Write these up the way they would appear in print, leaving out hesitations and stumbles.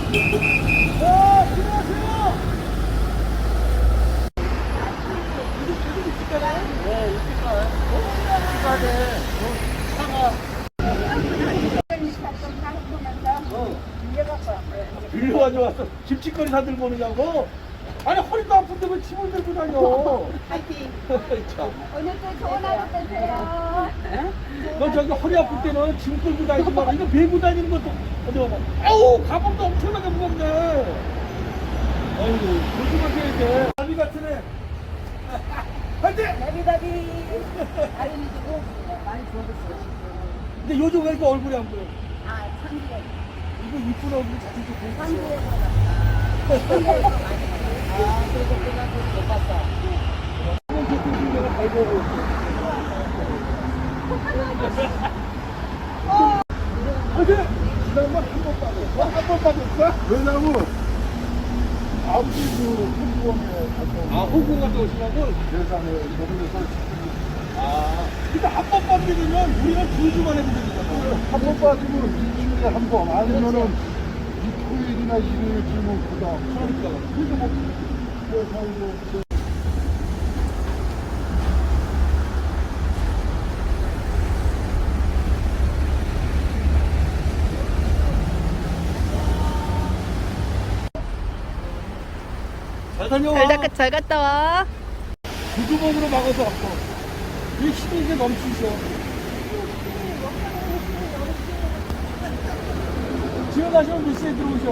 안녕하세요. 네, 이렇게 시간에 차가 빌려가지고 왔어. 김치거리 사들고 오느냐고? 아니 허리도 아픈데 왜 짐을 들고 다녀? 파이팅. 참. 오늘도 좋은 하루 되세요. 너 저기 허리 아플 때는 짐 끌고 다니지 마라. 이거 메고 다니는 것도 어디 봐봐. 아우 가방도 엄청나게 무겁네. 아이고 조심하셔야 돼. 나비 같은 애. 화이팅! 나비나비. 아름이 주고 많이 좋아졌어요. 근데 요즘 왜 이렇게 얼굴이 안 보여? 아, 참기에. 이거 이쁜 얼굴 자주 좀 보고 참기에 있어. 참기에서 많이 봤어요. 아, 그래서 그냥 못 봤어. 이번 교통신 내가 잘 보고 있어. 화이팅! 지난번 한번 빠졌어? 한번 빠졌어? 왜냐면 아버지 그 홍보원에 갔다 아 홍보원 갔다 오시라고? 대산에 먹으면서 아 근데 한 번 빠지게 되면 우리는 2주 만에 보게 되잖아. 한 번 빠지면 일주일에 한 번 아니면은 토요일이나 일요일 주면 그다음 그러니까 그래서 뭐 살고 잘 다녀와. 잘 갔다 와. 구두목으로 막아서 왔고 이 힘이 이제 넘치셔. 집에 가시면 몇 시에 들어오셔?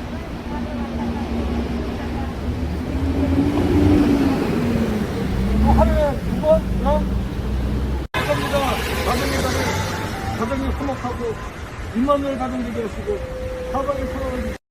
하루에 2번? 그럼? 감사합니다. 가정에다가 가정에 화목하고 입만을 가정 되게 하시고 사방에 서로